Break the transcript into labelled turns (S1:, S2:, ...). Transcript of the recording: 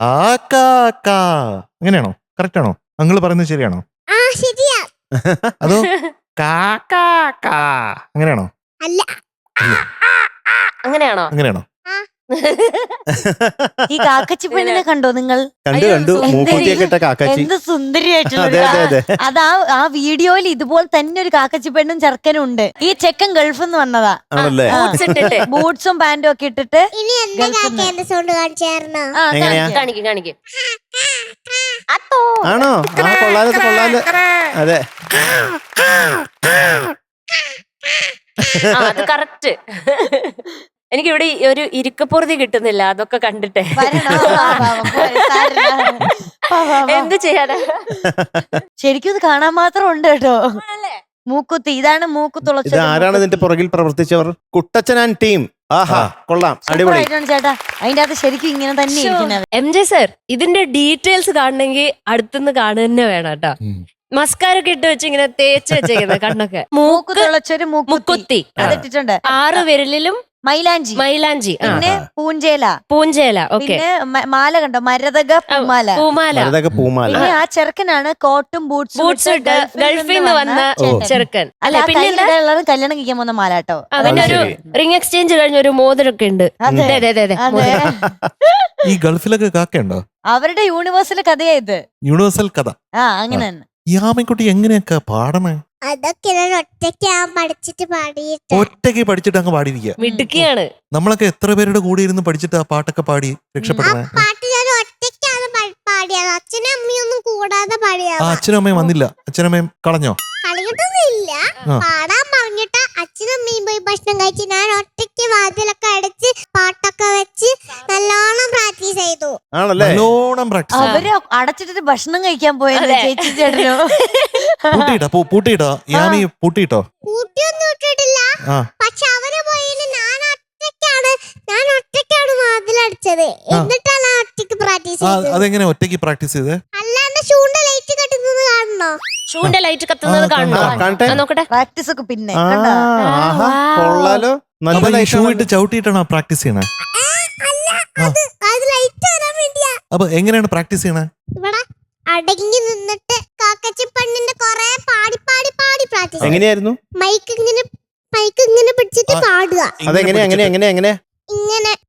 S1: ആ കാ കാ അങ്ങനെയാണോ? കറക്റ്റ് ആണോ? അങ്കിള് പറയുന്നത് ശരിയാണോ?
S2: ശരിയാ.
S1: അതോ കാ കാ കാ അങ്ങനെയാണോ?
S2: അല്ല.
S3: അങ്ങനെയാണോ?
S1: അങ്ങനെയാണോ?
S4: ഈ കാക്കച്ചി പെണ്ണിനെ കണ്ടോ നിങ്ങൾ?
S5: കണ്ടു മൂക്കുത്തിയൊക്കെ ഇട്ട കാക്കാച്ചി.
S4: എന്ത് സുന്ദരിയായിട്ടുള്ള
S5: അതെ അതെ അതെ.
S4: അതാ ആ വീഡിയോയിൽ ഇതുപോലെ തന്നെ ഒരു കാക്കച്ചി പെണ്ണും ചെറുക്കനും ഉണ്ട്. ഈ ചെക്കൻ ഗൾഫിൽ നിന്ന് വന്നതാ.
S5: ആണല്ലേ?
S4: ബൂട്ട്സും പാന്റും ഒക്കെ ഇട്ടിട്ട്.
S2: ഇനി എന്താ കാക്കേന്റെ സൗണ്ട് കാണിച്ചായിരുന്നോ?
S5: എങ്ങനെയാ?
S3: കാണിക്കും കാണിക്കും.
S5: ആണോ? ആ കൊള്ളാലോ കൊള്ളാലോ. അതെ
S3: അത് കറക്റ്റ്. എനിക്ക് ഇവിടെ ഒരു ഇരിക്കപ്പുറതി കിട്ടുന്നില്ല അതൊക്കെ കണ്ടിട്ടെ. എന്ത് ചെയ്യാനാ?
S4: ശരിക്കും ഇത് കാണാൻ മാത്രം ഉണ്ട് കേട്ടോ. മൂക്കുത്തി, ഇതാണ് മൂക്കുത്തുളച്ചത്.
S5: ഇത് ആരാണ് ഇതിന്റെ പുറകിൽ പ്രവർത്തിച്ചവർ? കുട്ടച്ചൻ ആൻഡ് ടീം. ആഹാ കൊള്ളാം, അടിപൊളി
S4: ചേട്ടാ. അതിന്റെ അകത്ത് ശരിക്കും ഇങ്ങനെ തന്നെ ഇരിക്കുന്നത്.
S3: MJ സർ, ഇതിന്റെ ഡീറ്റെയിൽസ് കാണണമെങ്കിൽ അടുത്തുനിന്ന് കാണുക തന്നെ വേണം കേട്ടോ. മസ്കാരൊക്കെ ഇട്ട് വെച്ച് ഇങ്ങനെ തേച്ച് വെച്ചേക്കുന്നത് കണ്ണൊക്കെ.
S4: മൂക്കുത്തുളച്ചൊരു
S3: മുക്കുത്തി
S4: അതിട്ടിട്ടുണ്ട്.
S3: 6 വിരലിലും
S4: മൈലാഞ്ചി.
S3: പിന്നെ
S4: പൂഞ്ചേല.
S3: ഓക്കെ.
S4: പിന്നെ മാല കണ്ടോ? മരതക പൂമാല.
S5: പൂമാല.
S4: പിന്നെ ആ ചെറുക്കനാണ് കോട്ടും ബൂട്ട്സും
S3: ഇട്ട് ഗൾഫിൽ നിന്ന് വന്ന ചെറുക്കൻ.
S4: അല്ല പിന്നെ കല്യാണം കഴിക്കാൻ പോകുന്ന മാല കേട്ടോ.
S3: അവന്റെ ഒരു റിംഗ് എക്സ്ചേഞ്ച് കഴിഞ്ഞ ഒരു മോതിരൊക്കെ ഉണ്ട്.
S1: ഈ ഗൾഫിലൊക്കെ കാക്കയുണ്ടോ?
S4: അവരുടെ യൂണിവേഴ്സൽ കഥയാ ഇത്.
S1: യൂണിവേഴ്സൽ കഥ.
S4: അങ്ങനെ തന്നെ.
S1: ഈ ആമക്കുട്ടി എങ്ങനെയൊക്കെ പാടണേ?
S2: അതൊക്കെ ഞാൻ ഒറ്റയ്ക്ക് പഠിച്ചിട്ട് പാടിയിട്ട്.
S1: ഒറ്റയ്ക്ക് പഠിച്ചിട്ട് അങ്ങ് പാടിയിരിക്കുക.
S3: മിടുക്കിയാണ്.
S1: നമ്മളൊക്കെ എത്ര പേരുടെ കൂടെ ഇരുന്ന് പഠിച്ചിട്ട് ആ പാട്ടൊക്കെ പാടി രക്ഷപ്പെടുന്നേ?
S2: പാട്ട് ഞാൻ ഒറ്റയ്ക്കാണ് പാടിയത്. അച്ഛനും അമ്മയൊന്നും കൂടാതെ പാടിയത്.
S1: അച്ഛനും അമ്മയും വന്നില്ല? അച്ഛനമ്മയും കളഞ്ഞോ?
S2: കളിയിട്ടൊന്നുമില്ല. പാടാൻ പറഞ്ഞിട്ട് അച്ഛനും അമ്മയും പോയി ഭക്ഷണം കഴിച്ച് ഞാൻ ഒറ്റയ്ക്ക് വാതിലൊക്കെ അടച്ച് പാട്ടൊക്കെ വെച്ച് നല്ലോണം പ്രാക്ടീസ് ചെയ്തു.
S5: ആണല്ലേ?
S1: നല്ലോണം പ്രാക്ടീസ്.
S4: അവര് അടച്ചിട്ട് ഭക്ഷണം കഴിക്കാൻ പോയത് ചേച്ചി ചേട്ടനോ?
S1: പൂട്ടിയിട്ടോ? യാമി പൂട്ടിയിട്ടോ?
S2: കൂട്ടിയൊന്നും ഇട്ടിട്ടില്ല. പക്ഷെ അവര് പോയിന് ഞാൻ ഒറ്റയ്ക്കാണ് വാതിലടിച്ചത്. എന്നിട്ടാണ് ഒറ്റയ്ക്ക് പ്രാക്ടീസ് ചെയ്തത്.
S1: അതെങ്ങനെ ഒറ്റയ്ക്ക് പ്രാക്ടീസ് ചെയ്തേ?
S2: അല്ലാണ്ട് ഷൂന്റെ ലൈറ്റ് കത്തുന്നത് കാണണോ?
S3: ഷൂന്റെ ലൈറ്റ് കത്തുന്നത് കാണണോ? നോക്കട്ടെ.
S4: പ്രാക്ടീസ് ഒക്കെ പിന്നെ
S5: കൊള്ളാലോ.
S1: ഷൂ ഇട്ട് ചവിട്ടിയിട്ടാണോ പ്രാക്ടീസ് ചെയ്യണേ? അപ്പൊ എങ്ങനെയാണ് പ്രാക്ടീസ് ചെയ്യണേ?
S2: ഇവിടെ അടങ്ങി നിന്നിട്ട് കാക്കച്ചി പെണ്ണിന്റെ കൊറേ പാടി പ്രാക്ടീസ്.
S5: എങ്ങനെയായിരുന്നു?
S2: മൈക്ക് ഇങ്ങനെ പിടിച്ചിട്ട് പാടുക.
S5: അതെങ്ങനെ?
S2: ഇങ്ങനെ